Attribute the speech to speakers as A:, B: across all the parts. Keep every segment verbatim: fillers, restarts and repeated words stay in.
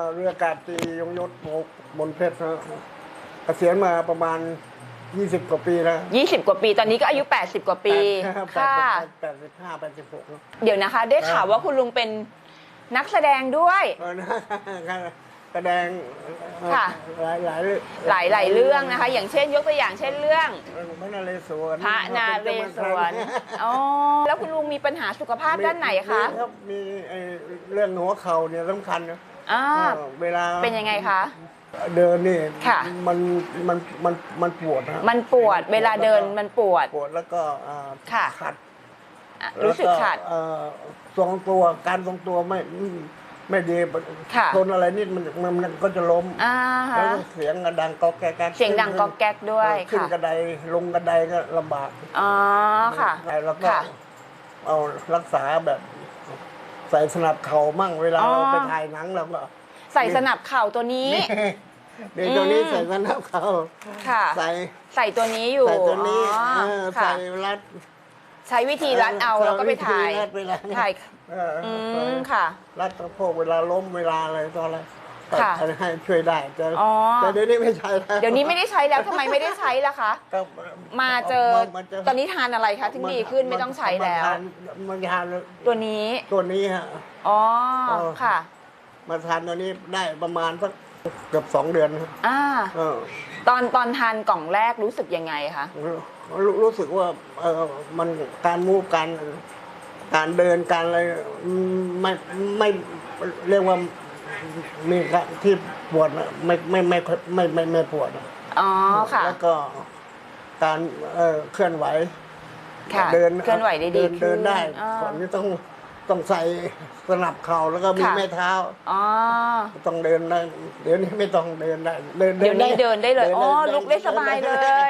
A: เรืออากาศตรียงยศบนเพชรนะเกษียณมาประมาณยี่สิบกว่าปีแล้ว
B: ยี่สิบกว่าปีตอนนี้ก็อายุแปดสิบกว่าปี
A: ค่ะแปดสิบห้าแปดสิบหก
B: เดี๋ยวนะคะได้ข่าวว่าคุณลุงเป็นนักแสดงด้วย
A: แสดงหลายหลาย
B: หลายหลายเรื่องนะคะอย่างเช่นยกตัวอย่างเช่นเรื่อง
A: พระนาเรศวร
B: พระนาเรศวรอ๋อแล้วคุณลุงมีปัญหาสุขภาพด้านไหนคะ
A: ครับมีเรื่องหัวเข่าเนี่ยสำคัญนะเวลา
B: เป็นยังไงคะ
A: เดินนี่มันมันมันมันปวดนะ
B: มันปวดเวลาเดินมันปวด
A: ปวดแล้วก็ขัด
B: รู้สึกขัด
A: ทรงตัวการทรงตัวไม่ไม่ดีทนอะไรนิดมันมันก็จะล้มแล้วเสียงดังก๊อกแก๊ก
B: เสียงดังก๊อกแก๊กด้วย
A: ขึ้นกระไดลงกระไดก็ลำบาก
B: อ๋อค่ะ
A: แล้วก็เอารักษาแบบใส่สนับเข่ามั่งเวลาเราไปถ่ายหนังเราก็
B: ใส่สนับเข่าตัวนี้
A: เดี๋ยวตัวนี้ใส่สนับเข่าใส่
B: ใส่ตัวนี้อยู่
A: ใส่ตัวนี้ใส่รัด
B: ใช้วิธีรัดเอาแล้วก็ไปถ่ายถ่ายอืมค่ะ
A: รัดสะโพกเวลาล้มเวลาอะไรตอนอะไรให้ช่วยได้แต่แต่เดี๋ยวนี้ไม่ใช้แล้ว
B: เดี๋ยวนี้ไม่ได้ใช้แล้วทำไมไม่ได้ใช้ล่ะคะมาเจอตอนนี้ทานอะไรคะถึงดีขึ้นไม่ต้องใช้แล้ว
A: มันทาน
B: ตัวนี้
A: ตัวนี้ฮะ
B: อ๋อค่ะ
A: มาทานตัวนี้ได้ประมาณสักเกือบสองเดือน
B: อ่าตอนตอนทานกล่องแรกรู้สึกยังไงคะ
A: รู้สึกว่าเออมันการมูฟการการเดินการอะไรไม่ไม่เรียกว่ามีที่ปวดไม่ไม่ไม่ไม่ไม่ไม่ปวด
B: อ๋อค่ะ
A: แล้วก็การเออเคลื่อนไหว
B: เดินเคลื่อนไหวได้ดี
A: เดินได้ก่อนนี้ต้องต้องใส่สนับเข่าแล้วก็มีแม่เท้า
B: อ๋อ
A: ต้องเดินได้เดี๋ยวนี้ไม่ต้องเดินได้
B: เดี๋ยวนี้เดินได้เลยอ๋อลุกได้สบายเลย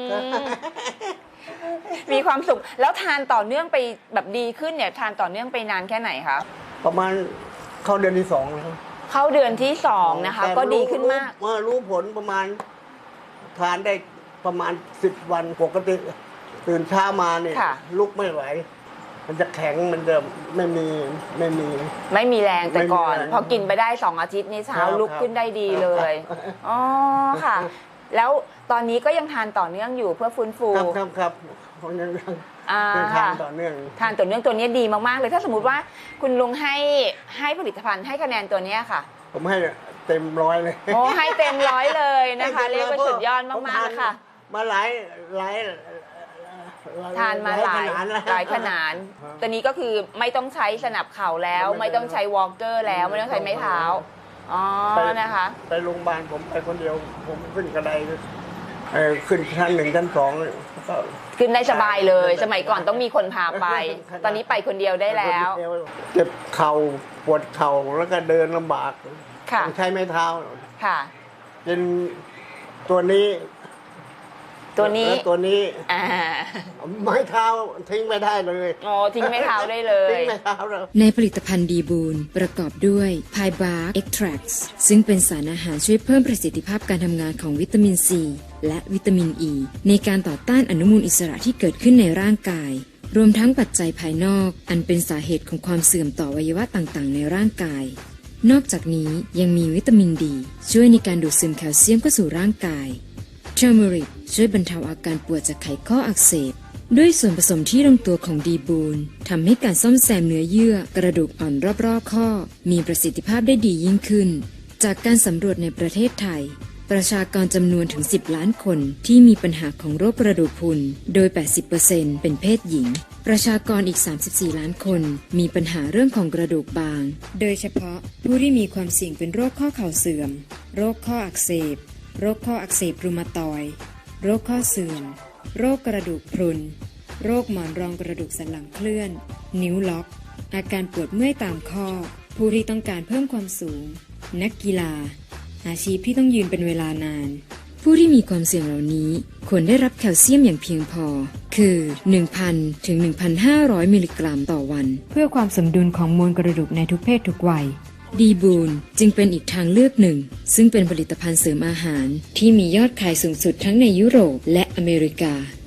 B: มีความสุขแล้วทานต่อเนื่องไปแบบดีขึ้นเนี่ยทานต่อเนื่องไปนานแค่ไหนคะ
A: ประมาณเข้าเดือนที่สองแล้ว
B: เข้าเดือนที่สองนะคะก็ดีขึ้นมาก
A: เมื่อรู้ผลประมาณทานได้ประมาณสิบวันปกติตื่นเช้ามาเนี่ยลุกไม่ไหวมันจะแข็งมันจะไม่มีไม่มี
B: ไม่มีแรงแต่ก่อนพอกินไปได้สองอาทิตย์นี่เช้าลุกขึ้นได้ดีเลยอ๋อค่ะแล้วตอนนี้ก็ยังทานต่อเนื่องอยู่เพื่อฟื้นฟู
A: ครับครับครับยังทานต่อเนื่อง
B: ทานต่อเนื่องตัวนี้ดีมากๆเลยถ้าสมมติว่าคุณลุงให้ให้ผลิตภัณฑ์ให้คะแนนตัวนี้ค่ะ
A: ผมให้เต็มร้อยเลย
B: โอ้ให้เต็มร้อยเลยนะคะเรียกว่าสุดยอดมากๆค่ะ
A: มาหลายหลาย
B: ทานมาหลายหลายขนาดตัวนี้ก็คือไม่ต้องใช้สนับเข่าแล้วไม่ต้องใช้วอล์กเกอร์แล้วไม่ต้องใช้ไม้เท้าอ๋อนะคะ
A: ไปโรงพยาบาลผมไปคนเดียวผมขึ้นกระไดขึ้นชั้นหนึ่งชั้นสองก็
B: ขึ้นได้สบายเลยสมัยก่อนต้องมีคนพาไปตอนนี้ไปคนเดียวได้แล้ว
A: เจ็บเข่าปวดเข่าแล้วก็เดินลำบากต้องใช้ไม้เท้า
B: ค่ะ
A: เป็นตัวนี้
B: ตัวนี้
A: ตัวนี้ไม้เท้าทิ้งไม่ได้เลย
B: อ๋อทิ้งไม้เท้าได้เลย
A: ทิ้งไม้เท้าเลย
C: ในผลิตภัณฑ์ดีบูนประกอบด้วยไพบาร์เอ็กทรัคซึ่งเป็นสารอาหารช่วยเพิ่มประสิทธิภาพการทำงานของวิตามินซีและวิตามินอ e ีในการต่อต้านอนุมูลอิสระที่เกิดขึ้นในร่างกายรวมทั้งปัจจัยภายนอกอันเป็นสาเหตุของความเสื่อมต่ออวัยวะต่างๆในร่างกายนอกจากนี้ยังมีวิตามินดีช่วยในการดูดซึมแคลเซียมเข้าสู่ร่างกายเทอร์เมริกช่วยบรรเทาอาการปวดจากไขข้ออักเสบด้วยส่วนผสมที่ลงตัวของดีบูนทำให้การซ่อมแซมเนื้อเยื่อกระดูกอ่อนรอบๆข้อมีประสิทธิภาพได้ดียิ่งขึ้นจากการสำรวจในประเทศไทยประชากรจำนวนถึงสิบล้านคนที่มีปัญหาของโรคกระดูกพรุนโดย แปดสิบเปอร์เซ็นต์ เป็นเพศหญิงประชากรอีกสามสิบสี่ล้านคนมีปัญหาเรื่องของกระดูกบางโดยเฉพาะผู้ที่มีความเสี่ยงเป็นโรคข้อเข่าเสื่อมโรคข้ออักเสบโรคข้ออักเสบรูมาตอยด์โรคข้อเสื่อมโรคกระดูกพรุนโรคหมอนรองกระดูกสันหลังเคลื่อนนิ้วล็อกอาการปวดเมื่อยตามข้อผู้ที่ต้องการเพิ่มความสูงนักกีฬาอาชีพที่ต้องยืนเป็นเวลานานผู้ที่มีความเสี่ยงเหล่านี้ควรได้รับแคลเซียมอย่างเพียงพอคือ หนึ่งพัน ถึง หนึ่งพันห้าร้อย มิลลิกรัมต่อวันเพื่อความสมดุลของมวลกระดูกในทุกเพศทุกวัยดีบูนจึงเป็นอีกทางเลือกหนึ่งซึ่งเป็นผลิตภัณฑ์เสริมอาหารที่มียอดขายสูงสุดทั้งในยุโรปและอเมริกา